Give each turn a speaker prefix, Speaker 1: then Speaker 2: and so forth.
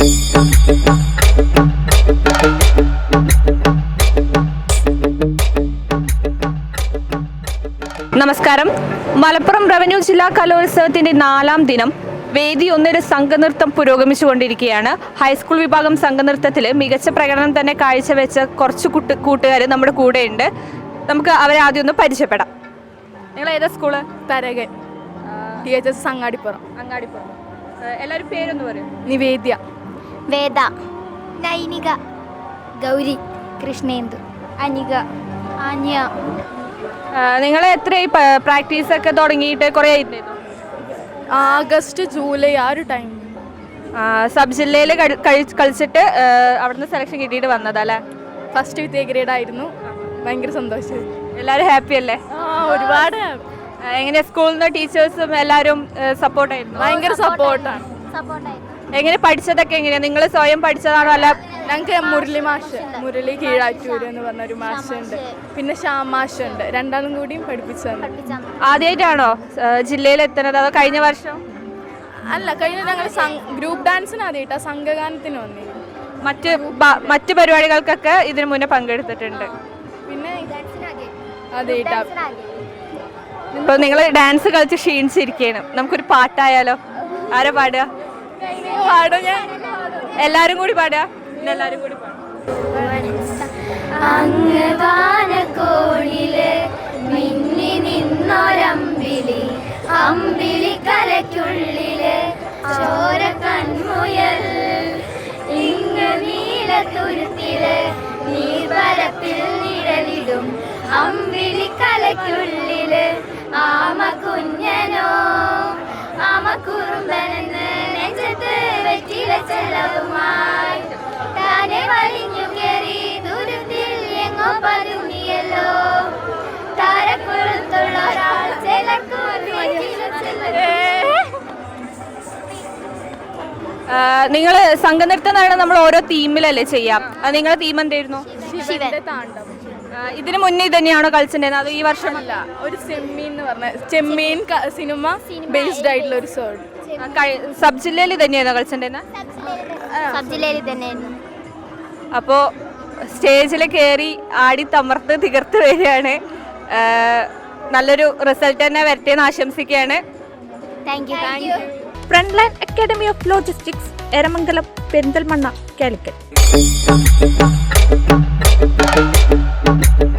Speaker 1: നമസ്കാരം. മലപ്പുറം റവന്യൂ ജില്ലാ കലോത്സവത്തിന്റെ 4ാം ദിനം വേദി 1 സംഘനൃത്തം പുരോഗമിച്ചുകൊണ്ടിരിക്കുകയാണ്. ഹൈസ്കൂൾ വിഭാഗം സംഘനൃത്തത്തിൽ മികച്ച പ്രകടനം തന്നെ കാഴ്ചവെച്ച കുറച്ച് കൂട്ടുകാർ നമ്മുടെ കൂടെയുണ്ട്. നമുക്ക് അവരെ ആദ്യം ഒന്ന് പരിചയപ്പെടാം. നിങ്ങൾ ഏതാ സ്കൂള്?
Speaker 2: തരകൻ THS അങ്ങാടിപ്പുറം.
Speaker 1: എല്ലാവരും പേരൊന്ന് പറയും.
Speaker 2: നിവേദ്യ,
Speaker 3: വേദ, നൈനിക, ഗൗരി, കൃഷ്ണേന്ദു, അനിക, ആന്യ.
Speaker 1: നിങ്ങൾ എത്രയായി പ്രാക്ടീസൊക്കെ തുടങ്ങിയിട്ട് കുറേ ആയിരുന്നു?
Speaker 2: ആഗസ്റ്റ് ജൂലൈ ആ ഒരു ടൈം.
Speaker 1: സബ് ജില്ലയിൽ കളിച്ചിട്ട് അവിടുന്ന് സെലക്ഷൻ കിട്ടിയിട്ട് വന്നതല്ലേ?
Speaker 2: ഫസ്റ്റ് വിത്ത് എ ഗ്രേഡ് ആയിരുന്നു. ഭയങ്കര സന്തോഷം.
Speaker 1: എല്ലാവരും ഹാപ്പി അല്ലേ?
Speaker 2: ഒരുപാട്.
Speaker 1: എങ്ങനെ സ്കൂളിൽ നിന്ന് ടീച്ചേഴ്സും എല്ലാവരും സപ്പോർട്ടായിരുന്നു?
Speaker 2: ഭയങ്കര സപ്പോർട്ടാണ്.
Speaker 1: എങ്ങനെ പഠിച്ചതൊക്കെ എങ്ങനെയാ? നിങ്ങൾ സ്വയം പഠിച്ചതാണോ അല്ല?
Speaker 2: ഞങ്ങൾക്ക് മുരളി കീഴാറ്റൂര് എന്ന് പറഞ്ഞൊരു മാഷുണ്ട്, പിന്നെ ശ്യാം മാഷുണ്ട്. രണ്ടാളും കൂടിയും പഠിപ്പിച്ചതാണ്.
Speaker 1: ആദ്യമായിട്ടാണോ ജില്ലയിൽ എത്തുന്നത് അതോ കഴിഞ്ഞ വർഷം?
Speaker 2: അല്ല, കഴിഞ്ഞ ഞങ്ങൾ ഗ്രൂപ്പ് ഡാൻസിന് ആദ്യമായിട്ടാ, സംഘഗാനത്തിന് വന്നിരുന്നു.
Speaker 1: മറ്റ് പരിപാടികൾക്കൊക്കെ ഇതിനു മുന്നേ പങ്കെടുത്തിട്ടുണ്ട്.
Speaker 2: പിന്നെ ആദ്യമായിട്ടാ.
Speaker 1: ഇപ്പോൾ നിങ്ങൾ ഡാൻസ് കളിച്ച് ക്ഷീണിച്ചിരിക്കുകയാണ്. നമുക്കൊരു പാട്ടായാലോ? ആരാ പാടുക? എല്ലാരും കൂടി പാടുക. എല്ലാരും കൂടി
Speaker 3: മിന്നി നിന്നൊരമ്പിളി, അമ്പിളി കലയ്ക്കുള്ളില് ചോര കൺമുയൽ, ഇങ്ങ് നീലത്തുരുത്തില് നീർവരപ്പിൽ നിഴലിടും അമ്പിളി കലയ്ക്കുള്ളില് ആമ കുഞ്ഞനോ ആമ കുറുമ്പനെന്ന് നെഞ്ചത്ത് വെറ്റില ചെലവുമായി താനെ വലിഞ്ഞു കയറി ദൂരത്തിൽ എങ്ങോ പതുങ്ങിയല്ലോ താരക്കുളത്തുള്ള ഒരാൾ
Speaker 1: നിങ്ങൾ സംഘനൃത്തം എന്ന് പറയുന്നത് നമ്മൾ ഓരോ തീമിലല്ലേ ചെയ്യാം? നിങ്ങളുടെ തീം എന്തായിരുന്നു?
Speaker 2: താണ്ഡവം.
Speaker 1: ഇതിനു മുന്നേ ഇത് തന്നെയാണോ കളിച്ചിട്ടുണ്ടായിരുന്നത്? അത് ഈ വർഷമല്ല,
Speaker 2: ഒരു ചെമ്മീൻ എന്ന് പറഞ്ഞ ചെമ്മീൻ സിനിമ ബേസ്ഡ് ആയിട്ടുള്ള ഒരു സോങ്.
Speaker 1: സബ് ജില്ലയിൽ തന്നെയാണോ കളിച്ചിട്ടുണ്ടായിരുന്നത്?
Speaker 3: സബ് ജില്ലയിൽ തന്നെയായിരുന്നു.
Speaker 1: അപ്പോൾ സ്റ്റേജിൽ കയറി ആടി തമർത്ത് തികർത്ത് വരികയാണ്. നല്ലൊരു റിസൾട്ട് തന്നെ വരട്ടെ എന്ന് ആശംസിക്കുകയാണ്.
Speaker 3: Thank you.
Speaker 1: Front line academy of logistics, Eramangalam, Perinthalmanna, Calicut.